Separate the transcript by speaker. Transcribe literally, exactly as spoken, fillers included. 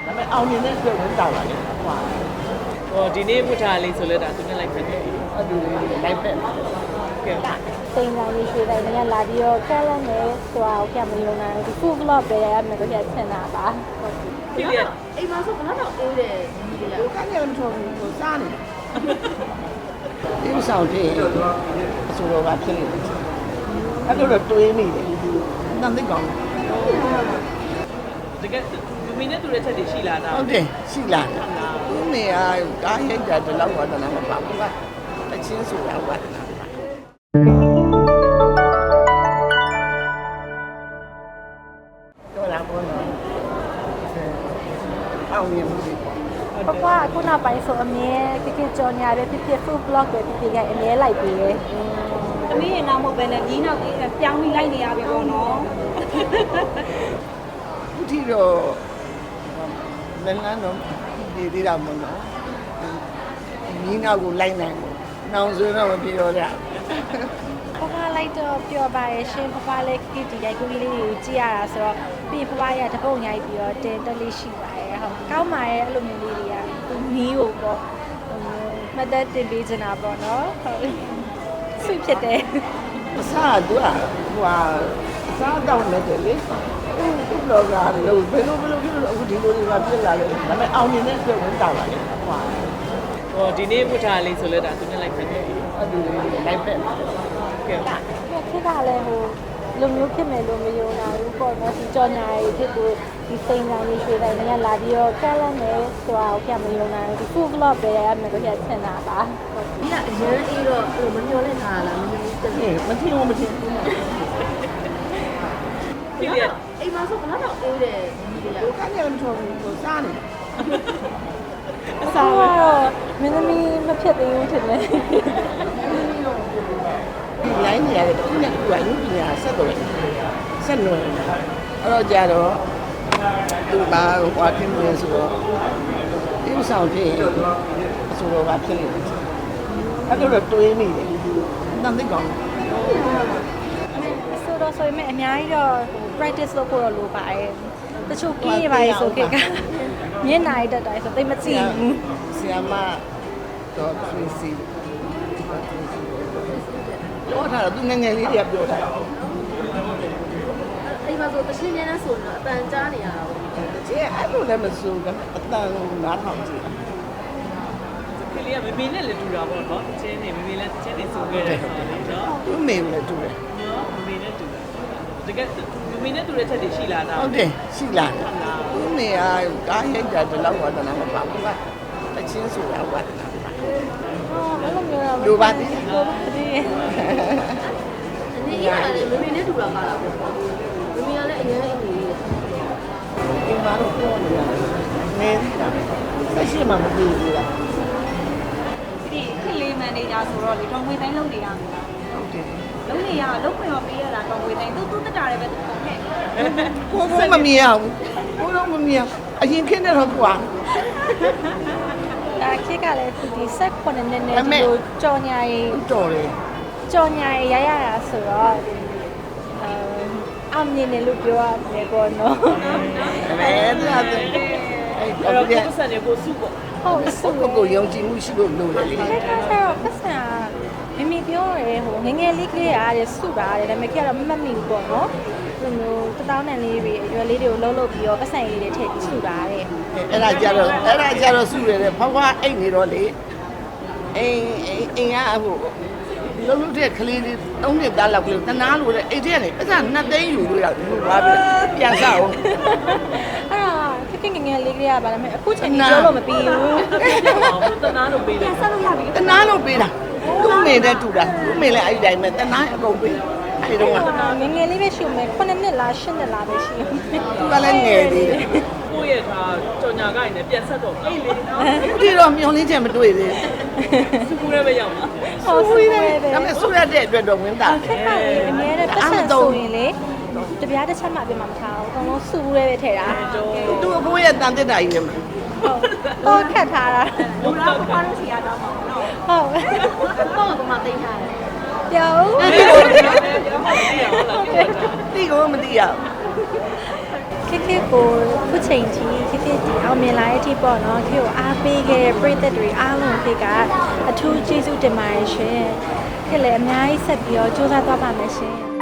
Speaker 1: ဒါပေမဲ့အောင်မြင်တဲ့အတွက်ဝင်တာပါလေဟွာဟောဒီနေ့ဝတ်ထားလေးဆိုလဲဒါသူနဲ့လိုက်ဖက်တယ်အဲ့ဒီလိုက်ဖက်ကဲ
Speaker 2: စိန်တိုင်းရွှေတိုင်းနဲ့လာပြီးတော့ကဲလုံးနဲ့ဆိုတာကိုပြန်မယုံနိုင်ဘူးဒီ food vlog ပဲရမယ်လို့ပြန်ဆင်တာပါ
Speaker 1: ဒီလေ
Speaker 3: အိမ်မှာဆိုဘယ်တော့အေးတယ်ညီလေး
Speaker 1: ဟိုကနေမထော်ဘူးစားနေဒီဆောင်တည်းအစိုးရကဖြစ်နေတယ်အဲ့လိုတော့တွေးနေတယ်နန်းသိကောင်းတကယ်မင်းနဲ့တူတဲ့ချက်တွေရှိလာတာဟုတ်တယ်ရှိလာတာသူနေရာကားရိုက်တာဒီလောက်ဝါဒနာမပါဘူးကတချင်းဆိုတာဝါဒနာတော့လာပေါ်တော့အောင်မြင်မှုတွေပေါ့
Speaker 2: ပပအခုနောက်ပိုင်းဆိုအမြဲကကကြော်ညာပဲဖြစ်ဖြစ် food vlog ပဲဖြစ်ဖြစ်ကအမြဲလိုက်ပြီးတယ်
Speaker 3: ။သမီးရင်တော့မဟုတ်ပဲနဲ့ညီနောက်ကြီးပြောင်းပြီးလိုက်နေရပြီပေါ့နော်
Speaker 1: အခုထိတော့လည်းလမ်းတော့ဒီသေးတာမဟုတ်တော့ညီနောက်ကိုလိုက်နိုင်ဘူးနောင်ဆိုတော့မပြောရ
Speaker 2: ပပလိုက်တော့ပျော်ပါရဲ့ရှင်ပပလည်းကဒီရိုက်ကူးလေးတွေကိုကြည့်ရတာဆိုတော့ပြီးပပရတပုတ်ရိုက်ပြီးတော့တင်တက်လေးရှိပါရဲ့ဟုတ်ကောင်းပါရဲ့အဲ့လိုမျိုးလေးတွေကသူနီးကိုပေါ့မသက်တင်ပေးချင်တာပေါ့နော်ဟုတ်ဆွဖြစ်တယ်
Speaker 1: အစားကသူကဟိုဟာအစားတောင်းနေတယ်လေသူ့လောကလို့ဘယ်လိုဘယ်လိုဖြစ်လို့အခုဒီလိုတွေကပြစ်လာလဲဒါပေမဲ့အောင်မြင်တဲ့အတွက်ဝင်တာပါလေဟွာဟောဒီနေ့ဝတ်ထားလေးဆိုလဲဒါသူနဲ့လိုက်ဖက်တယ်အဲ့ဒီလိုက်ဖက်ကဲ
Speaker 2: ခက်ကလည်းဟိုလူမျိုးဖြစ်မယ်လို့မယုံနိုင်ဘူးပေါ့နော်ဒီကြော်ညာရေးဖြစ်သူဒီစိန်တိုင်းရွှေတိုင်းနဲ့လာပြီးတော့ကဲလုံးနဲ့ဆိုတာကိုပြန်မယုံနိုင်ဘူးဒီ food vlog ပဲရမယ်လို့ပြန်ဆင်တာပါ
Speaker 3: ။ညီကအရန်အေးတော့အဲ့လိုမမျောလဲထားလားမမျောဘူးတက်တယ်
Speaker 1: မထင်ဘူးမထင်ဘူး
Speaker 3: ။ဒီကအိမ်မှာဆိုဘယ်တော့အေးတယ်ညီလေး
Speaker 1: ဟိုကနေမထော်ဘူးစားနေ
Speaker 2: အစားကတော့မင်းသမီးမဖြစ်သေးဘူးထင်တယ်
Speaker 1: ဒီလိုင်းနေရတယ်သူနဲ့သူကရုပ်ပညာဆက်တော့ဆက်နွယ်အဲ့တော့ကြတော့သူပါဟွာဖြစ်နေဆိုတော့ဒီဆောင်တည်းအစိုးရကဖြစ်နေတယ်အဲ့လိုတော့တွေးနေတယ်နန်းသိကောင်း
Speaker 2: ဆိုတော့ဆိုရင်အများကြီးတော့ practice လုပ်ဖို့တော့လိုပါတယ်တချို့ကင်းရပါလေဆိုခေတ်ကမျက်နှာရတက်တိုင်းဆိုသိမကြည့်ဘူး
Speaker 1: ဆီယမတော့ Tracy ပြောတာသူငငယ်လေးတွေကပြောတာ
Speaker 3: ။အိမ်မှာဆိုတချင်းချင်းနဲ့ဆိုတော့အပန်ကြားနေရတာပေါ့
Speaker 1: ကျဲအဲ့လိုလည်းမစိုးဘူးအတန်နားထောင်ကြည့်
Speaker 4: ကလေးကမမေနဲ့လည်းတူတာပေါ့နော်။ချင်းနေမမေလည်းချင်းနေစုခဲ့တယ်ဆိုတော့နော်
Speaker 1: သူ့မေလည်းတူတယ်
Speaker 4: ။နော်မမေနဲ့တူတာ။တကယ်မမေနဲ့တူတဲ့ချက်တွေရှိလာတာ
Speaker 1: ဟုတ်တယ်ရှိလာတယ်သူ့မေကကားရိုက်တာဒီလောက်ဝါဒနာမပါဘူးကတချင်းဆိုတာဝါဒနာပါ
Speaker 2: အော်အဲ့လိုမျိုးတော့
Speaker 1: လိုပါသေးတယ်
Speaker 2: လိုပါသေးတယ်
Speaker 3: ။ဒီကလည်းမမေနဲ့တူတာပါလားပေါ့။မမေကလည်းအရန်အေးနေတယ်
Speaker 1: ဒီမှာတော့ပြောနေရတယ်မင်းကဆက်ရှိမှမသိဘူးလား
Speaker 3: ဒီခက်လေးမန်နေဂျာဆိုတော့လေတော်ငွေတိုင်းလုပ်နေရမှာ
Speaker 1: ဟုတ်တယ်
Speaker 3: လုံးနေရလုံးခွင့်ရောပေးရတာတော်ငွေတိုင်းသူ့သူ့တက်တာလည်းပဲပုံနဲ့
Speaker 1: ကိုကမမြင်အောင်ကိုတော့မမြင်အရင်ခင်းတဲ့တော့ကွာ
Speaker 2: အဲခေတ်ကလည်းဒီဆက်ခုနှစ်နှစ်နဲ့ဒီလိုကြော်ညာရေး
Speaker 1: တော်တယ်
Speaker 2: ကြော်ညာရေးရရတာဆိုတော့အဲအောင်မြင်တယ်လို့ပြောရတယ်ပေါ့နော်
Speaker 1: အဲဒါအဲ့
Speaker 4: ။
Speaker 1: တော့
Speaker 4: အဲ့တော့
Speaker 1: ဒီ
Speaker 4: ကိုယ်ဆက်နေကိုစုပေါ့
Speaker 2: ဟုတ်ဆို
Speaker 1: ကိုကိုယုံကြည်မှုရှိလို့လို့လေ
Speaker 2: ခေတ်ကကျတော့ပတ်စံမမီပြောရဲဟိုငငယ်လေးကလေးရတယ်စုတာရတယ်ဒါပေမဲ့ခေတ်ကတော့မမတ်မိဘူးပေါ့နော်ဒီလိုတသောင်းနဲ့လေးတွေအရွယ်လေးတွေကိုလှုပ်လှုပ်ပြီးတော့ပတ်စံလေးတွေထည့်ပြီးစုတာရတယ်
Speaker 1: အဲ့ဒါကြတော့အဲ့ဒါကြတော့စုရတယ်ဖွားဖွားအိတ်နေတော့လေအိမ်အိမ်ကဟိုလုံးလုံးတဲ့ကလေးလေးသုံးနှစ်သားလောက်ကလေးတနာလို့တဲ့အိတ်ထဲကနေပတ်စံနှစ်သိန်းယူလို့ရတယ်လို့ပါပြီပြန်စားအောင်
Speaker 2: အဲ့ဒါခက်ခက်ငငယ်လေးကလေးရပါလားမအခုချိန်ကြီးပြောလို့မပြီးဘူး
Speaker 4: ။ဟောတနာလို့ပေးတယ်
Speaker 3: ဆက်လို့ရပြီ
Speaker 1: တနာလို့ပေးတာသူ့မေနဲ့တူတာသူ့မေလည်းအဲ့ဒီတိုင်းပဲတနာအကုန်ပေးအဲ့ဒီတော့က
Speaker 2: ငငယ်လေးပဲရှိမယ်ခုနှစ်နှစ်လားရှစ်နှစ်လားပဲရှိ
Speaker 1: သူကလည်းငယ်သေးတယ်
Speaker 4: ။ကိုယ့်ရဲ့ထားကြော်ညာကိုင်းနဲ့ပြန်ဆက်တော့အေးလေနော်
Speaker 1: ဒီတော့မျောလင်းချက်မတွေ့သေး
Speaker 4: ။စုကူရဲပဲရောက်မှာ
Speaker 2: ဟုတ်ဆူရဲပဲ
Speaker 1: ဘူးဒါပေမဲ့ဆူရတဲ့အတွက်တော့ဝင်တာ
Speaker 2: ခက်ကလေးအများနဲ့ပတ်စံဆိုရင်လေတပြားတစ်ချက်မှပြင်မှာမထားဘူးအကုန်လုံးစူရဲပဲထည့်တာ
Speaker 1: သူ့အဖိုးရဲ့တန်တက်တာကြီးလည်းမ
Speaker 2: ဟုတ်တော့ခတ်ထားတာ
Speaker 3: လူလားဘာလို့စီရတော့မှာနော်
Speaker 2: ဟုတ်
Speaker 3: တော့ကမှတိတ်ထားတယ်
Speaker 2: ပြော
Speaker 4: ။ပြောပါဦး။ပြောပါဦး။
Speaker 1: သိကိုမသိရ
Speaker 2: ခက်ခခေတ်ကိုခုချိန်ထိခေတ်ခေတ်ဒီအောင်မြင်လာတဲ့အထိပေါ့နော်ခေတ်ကိုအားပေးခဲ့တဲ့ပြည်သက်တွေအားလုံးခေတ်ကအထူးကျေးဇူးတင်ပါတယ်ရှင်ခေတ်လည်းအများကြီးဆက်ပြီးတော့စူးစမ်းသွားပါမယ်ရှင်